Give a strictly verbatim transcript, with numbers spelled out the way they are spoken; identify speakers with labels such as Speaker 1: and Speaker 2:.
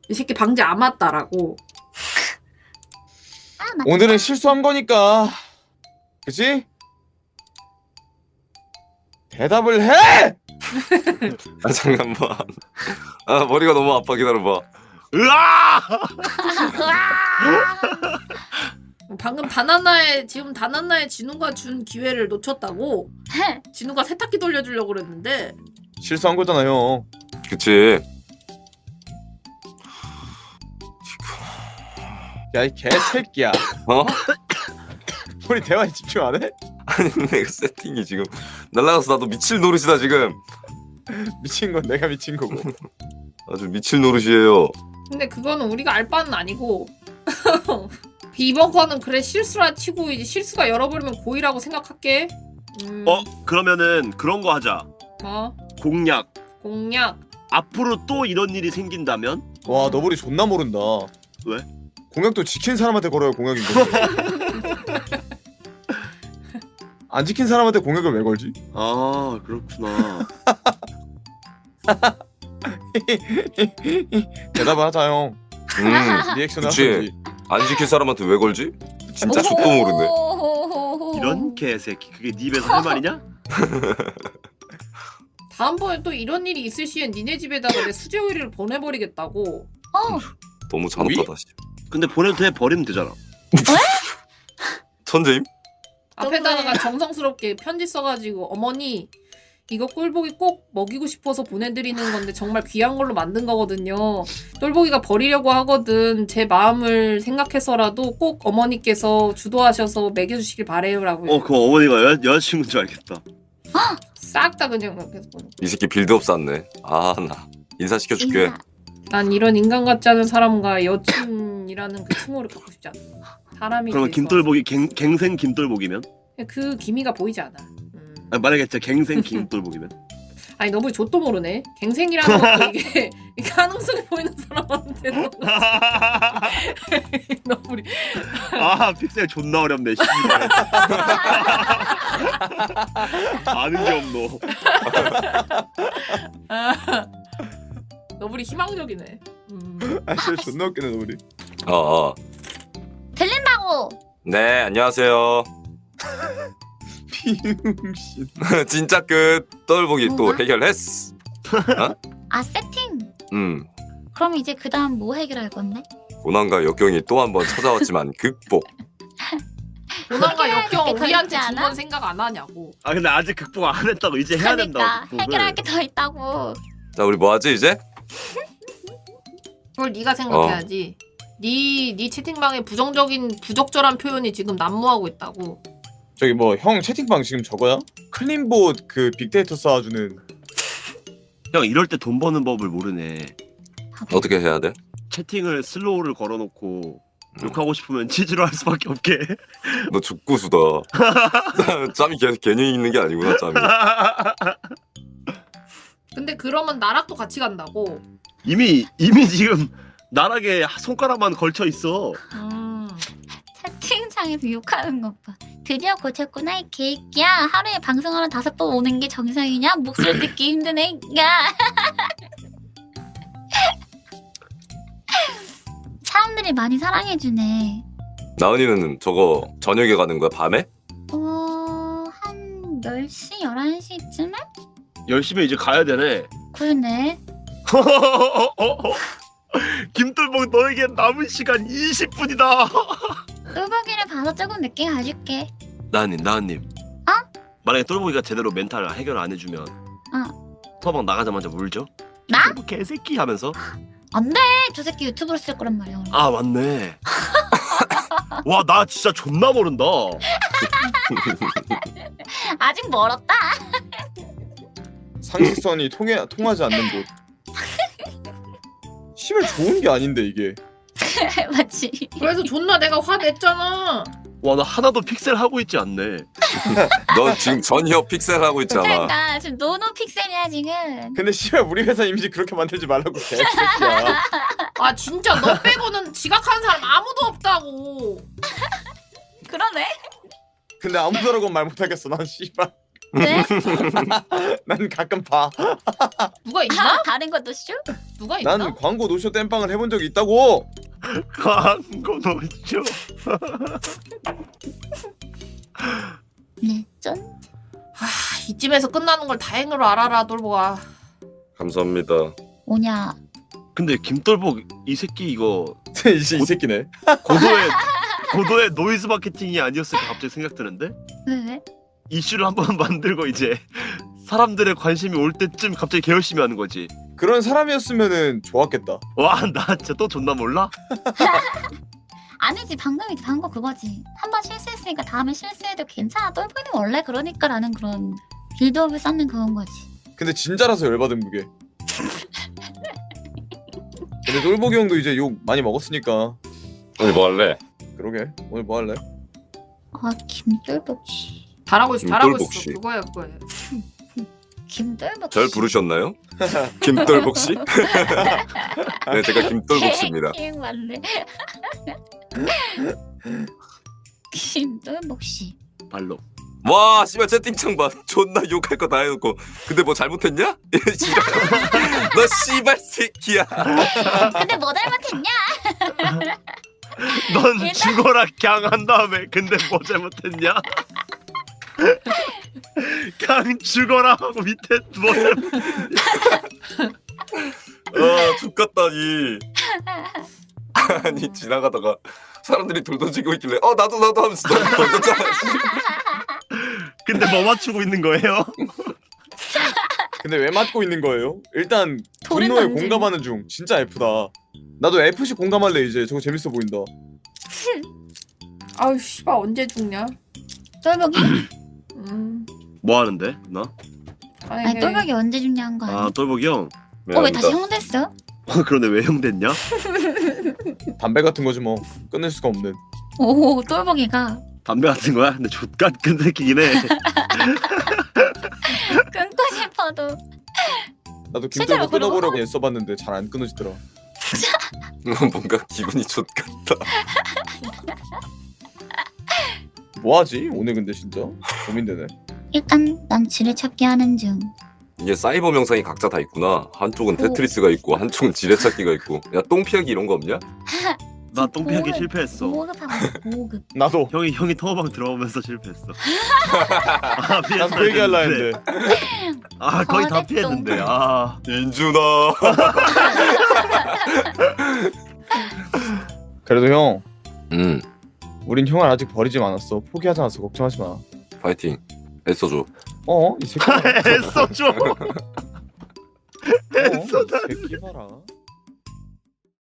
Speaker 1: 이 새끼 방지 안 맞다라고.
Speaker 2: 아, 맞다.
Speaker 3: 오늘은 실수한 거니까 그치? 대답을 해!
Speaker 4: 아 잠깐만. 아 머리가 너무 아파. 기다려봐.
Speaker 5: 으아!
Speaker 1: 방금 다나나의 지금 다나나의 진우가 준 기회를 놓쳤다고. 진우가 세탁기 돌려주려고 그랬는데.
Speaker 3: 실수한 거잖아요.
Speaker 4: 그치.
Speaker 3: 야 이 개새끼야.
Speaker 4: 어?
Speaker 3: 우리 대화에 집중 안 해?
Speaker 4: 아니 근데 그 세팅이 지금 날라가서 나도 미칠 노릇이다 지금.
Speaker 3: 미친 건 내가 미친 거고.
Speaker 4: 아주 미칠 노릇이에요.
Speaker 1: 근데 그거는 우리가 알 바는 아니고. 이번 거는 그래 실수라 치고 이제 실수가 열어버리면 고의라고 생각할게. 음,
Speaker 5: 어? 그러면은 그런 거 하자.
Speaker 1: 뭐
Speaker 5: 공약.
Speaker 1: 공약.
Speaker 5: 앞으로 또 이런 일이 생긴다면?
Speaker 3: 와 너구리 존나 모른다.
Speaker 5: 왜?
Speaker 3: 공약도 지킨 사람한테 걸어야 공약인 건데. 안 지킨 사람한테 공약을 왜 걸지?
Speaker 5: 아 그렇구나.
Speaker 3: 대답을 하자 형.
Speaker 4: 음.
Speaker 3: 리액션
Speaker 4: 그치.
Speaker 3: 하든지.
Speaker 4: 안 지킬 사람한테 왜 걸지? 진짜 족도 모르네.
Speaker 5: 이런 개새끼 그게 네 입에서 할 말이냐?
Speaker 1: 다음번에 또 이런 일이 있을 시엔 니네 집에다가 내 수제 오이를 보내버리겠다고.
Speaker 2: 어,
Speaker 4: 너무 잔혹하다. 씨.
Speaker 5: 근데 보내도 돼. 버리면 되잖아.
Speaker 4: 천재임?
Speaker 1: 앞에다가 정성스럽게 편지 써가지고 어머니 이거 꿀보기 꼭 먹이고 싶어서 보내드리는 건데 정말 귀한 걸로 만든 거거든요. 똘보기가 버리려고 하거든. 제 마음을 생각해서라도 꼭 어머니께서 주도하셔서 먹여주시길 바래요라고.
Speaker 5: 어, 그 어머니가 여, 여자친구인 줄 알겠다.
Speaker 1: 싹 다 그냥 그렇게 보내.
Speaker 4: 이 새끼 빌드업 쌌네. 아 나 인사시켜줄게.
Speaker 2: 인사.
Speaker 1: 난 이런 인간 같지 않은 사람과 여친이라는 그 칭호를 갖고 싶지 않아. 사람이.
Speaker 5: 그러면
Speaker 1: 돼서.
Speaker 5: 김돌보기 갱, 갱생 김돌보기면?
Speaker 1: 그 기미가 보이지 않아. 음.
Speaker 5: 아니, 만약에 진짜 갱생 김돌보기면?
Speaker 1: 아니 너무 좆도 모르네. 갱생이라는 것도 이게, 이게 가능성이 보이는 사람한테 너무 너무 우리
Speaker 5: 아 픽셀 존나 어렵네. 씨발. 아는 게 없노.
Speaker 1: 아, 너블이 희망적이네. 음.
Speaker 3: 아 진짜 존나 웃기네 너구리.
Speaker 4: 어 어.
Speaker 2: 들린다고.
Speaker 4: 네 안녕하세요.
Speaker 3: 비응신.
Speaker 4: 진짜 끝. 똘보기 또
Speaker 2: 뭐가?
Speaker 4: 해결했어.
Speaker 2: 아, 세팅.
Speaker 4: 음.
Speaker 2: 그럼 이제 그 다음 뭐 해결할 건데?
Speaker 4: 고난과 역경이 또 한 번 찾아왔지만 극복.
Speaker 1: 고난과 역경
Speaker 2: 해결할 게 더
Speaker 1: 우리한테
Speaker 2: 있지
Speaker 1: 준
Speaker 2: 않아?
Speaker 1: 건 생각 안 하냐고.
Speaker 5: 아 근데 아직 극복 안 했다고. 이제 해야 된다고.
Speaker 2: 그러니까
Speaker 5: 극복을.
Speaker 2: 해결할 게 더 있다고.
Speaker 4: 자 우리 뭐 하지 이제?
Speaker 1: 그걸 네가 생각해야지. 네, 네 채팅방에 부정적인 부적절한 표현이 지금 난무하고 있다고.
Speaker 3: 저기 뭐 형 채팅방 지금 저거야? 클린봇 그 빅데이터 쌓아주는.
Speaker 5: 형 이럴 때 돈 버는 법을 모르네.
Speaker 4: 어떻게 해야 돼?
Speaker 5: 채팅을 슬로우를 걸어놓고 욕하고 싶으면 치즈로 할 수밖에 없게.
Speaker 4: 너 죽구수다. 짬이 계속 개념이 있는 게 아니구나 짬이.
Speaker 1: 근데 그러면 나락도 같이 간다고.
Speaker 5: 이미 이미 지금 나락에 손가락만 걸쳐 있어.
Speaker 1: 음.
Speaker 2: 채팅창에서 욕하는 것 봐. 드디어 고쳤구나 이 개새끼야. 하루에 방송하러 다섯 번 오는 게 정상이냐? 목소리 듣기 힘든 애가. 사람들이 많이 사랑해주네.
Speaker 4: 나은이는 저거 저녁에 가는 거야 밤에?
Speaker 2: 어... 한 열 시, 열한 시쯤에?
Speaker 5: 열심히 이제 가야 되네.
Speaker 2: 그러네.
Speaker 5: 김돌복 너에게 남은 시간 이십 분이다.
Speaker 2: 똘보기를 봐서 조금 늦게 가줄게.
Speaker 5: 나은님 나은님.
Speaker 2: 어?
Speaker 5: 만약에 똘보기가 제대로 멘탈 해결 안 해주면
Speaker 2: 어.
Speaker 5: 서방 나가자마자 울죠?
Speaker 2: 나?
Speaker 5: 똘보 개새끼 하면서.
Speaker 2: 안 돼! 저 새끼 유튜브로 쓸 거란 말이야.
Speaker 5: 아 맞네. 와 나 진짜 존나 모른다.
Speaker 2: 아직 멀었다.
Speaker 3: 상식선이 통해 통하지 않는 곳. 씨발 좋은 게 아닌데 이게.
Speaker 2: 맞지?
Speaker 1: 그래서 존나 내가 화냈잖아.
Speaker 5: 와 나 하나도 픽셀 하고 있지 않네.
Speaker 4: 너 지금 전혀 픽셀 하고 있잖아.
Speaker 2: 그러니까 지금 노노 픽셀이야 지금.
Speaker 3: 근데 씨발 우리 회사 이미지 그렇게 만들지 말라고 개새끼야.
Speaker 1: 아 진짜 너 빼고는 지각하는 사람 아무도 없다고.
Speaker 2: 그러네.
Speaker 3: 근데 아무도라고 말 못하겠어 난 씨발.
Speaker 2: 네?
Speaker 3: 난 가끔 봐.
Speaker 1: 누가 있나?
Speaker 2: 다른 것도 쇼?
Speaker 1: 누가 있나?
Speaker 3: 난 광고 노쇼 땜빵을 해본 적이 있다고.
Speaker 5: 광고 노쇼.
Speaker 2: 네, 쩐.
Speaker 1: 아, 이쯤에서 끝나는 걸 다행으로 알아라 똘보가.
Speaker 4: 감사합니다.
Speaker 2: 오냐.
Speaker 5: 근데 김돌복 이 새끼 이거
Speaker 3: 이, 이 새끼네.
Speaker 5: 고도의 고도의 노이즈 마케팅이 아니었을까 갑자기 생각드는데
Speaker 2: 왜 왜?
Speaker 5: 이슈를 한번 만들고 이제 사람들의 관심이 올 때쯤 갑자기 개열심히 하는 거지.
Speaker 3: 그런 사람이었으면은 좋았겠다.
Speaker 5: 와 나 진짜 또 존나 몰라?
Speaker 2: 아니지 방금이지 방금 그거지. 한 번 실수했으니까 다음에 실수해도 괜찮아. 똘보기는 원래 그러니까라는 그런 빌드업을 쌓는 그런 거지.
Speaker 3: 근데 진짜라서 열받은 그게. 근데 똘보기 형도 이제 욕 많이 먹었으니까.
Speaker 4: 오늘 뭐 할래?
Speaker 3: 그러게. 오늘 뭐 할래?
Speaker 2: 아 김똘복씨.
Speaker 1: 잘하고 있어 잘하고 있어.
Speaker 4: 김똘복 씨.
Speaker 1: 그거야 그거야.
Speaker 2: 김똘복씨.
Speaker 4: 절 부르셨나요? 김돌복 씨? 네, 제가 김돌복 씨입니다.
Speaker 2: 개 맞네. 김똘복씨.
Speaker 5: 발로.
Speaker 4: 와, 씨발 채팅창 봐. 존나 욕할 거 다 해놓고. 근데 뭐 잘못했냐? 씨발. 너 씨발 새끼야.
Speaker 2: 근데 뭐 잘못했냐?
Speaker 5: 넌
Speaker 2: 일단-
Speaker 5: 죽어라 갱 한 다음에 근데 뭐 잘못했냐? 갱 죽어라 하고 밑에 뭐 잘못...
Speaker 4: 아, 죽겠다니. 아니, 지나가다가 사람들이 돌 던지고 있길래 어, 나도 나도 하면서 돌 던졌잖아.
Speaker 5: 근데 뭐 맞추고 있는 거예요?
Speaker 3: 근데 왜 맞고 있는 거예요? 일단
Speaker 2: 돌은
Speaker 3: 분노에
Speaker 2: 던지고.
Speaker 3: 공감하는 중. 진짜 F다. 나도 에프씨 공감할래 이제. 저거 재밌어 보인다.
Speaker 1: 아유 씨발 언제 죽냐?
Speaker 2: 똘복이?
Speaker 1: 음.
Speaker 5: 뭐 하는데 나?
Speaker 1: 아니,
Speaker 2: 아니 똘복이 언제 죽냐는 거 아니야?
Speaker 5: 아 똘복이 형.
Speaker 2: 어 왜 다시 형 됐어?
Speaker 5: 어, 그러네 왜 형 됐냐?
Speaker 3: 담배 같은 거지 뭐. 끊을 수가 없는.
Speaker 2: 오 똘복이가
Speaker 5: 담배 같은 거야? 근데 족같 끈 새끼긴 해.
Speaker 2: 끊고 싶어도
Speaker 3: 나도
Speaker 2: 실제로
Speaker 3: 김돌복 끊어보려고
Speaker 2: 그러고?
Speaker 3: 애써봤는데 잘 안 끊어지더라.
Speaker 4: 뭔가 기분이 좋같다.
Speaker 3: 뭐하지? 오늘 근데 진짜 고민되네.
Speaker 2: 일단 난 지뢰찾기 하는 중.
Speaker 4: 이게 사이버 명상이 각자 다 있구나. 한쪽은 테트리스가 있고 한쪽은 지뢰찾기가 있고. 야, 똥피하기 이런 거 없냐?
Speaker 5: 나 똥피하기
Speaker 2: 보급-
Speaker 5: 실패했어.
Speaker 2: 보급하고 있어, 보급.
Speaker 3: 나도.
Speaker 5: 형이 형이 터방 들어오면서 실패했어. 아,
Speaker 3: 난 그 얘기 할라 했는데.
Speaker 5: 아 거의 다
Speaker 2: 거대똥.
Speaker 5: 피했는데. 아
Speaker 4: 인준아.
Speaker 3: 그래도 형,
Speaker 4: 음,
Speaker 3: 우린 형을 아직 버리지 않았어. 포기하지 않았어. 걱정하지 마. 어?
Speaker 4: 파이팅. 애써줘.
Speaker 3: 이 새끼. 어?
Speaker 5: 애써 줘.
Speaker 3: 이 새끼 봐라.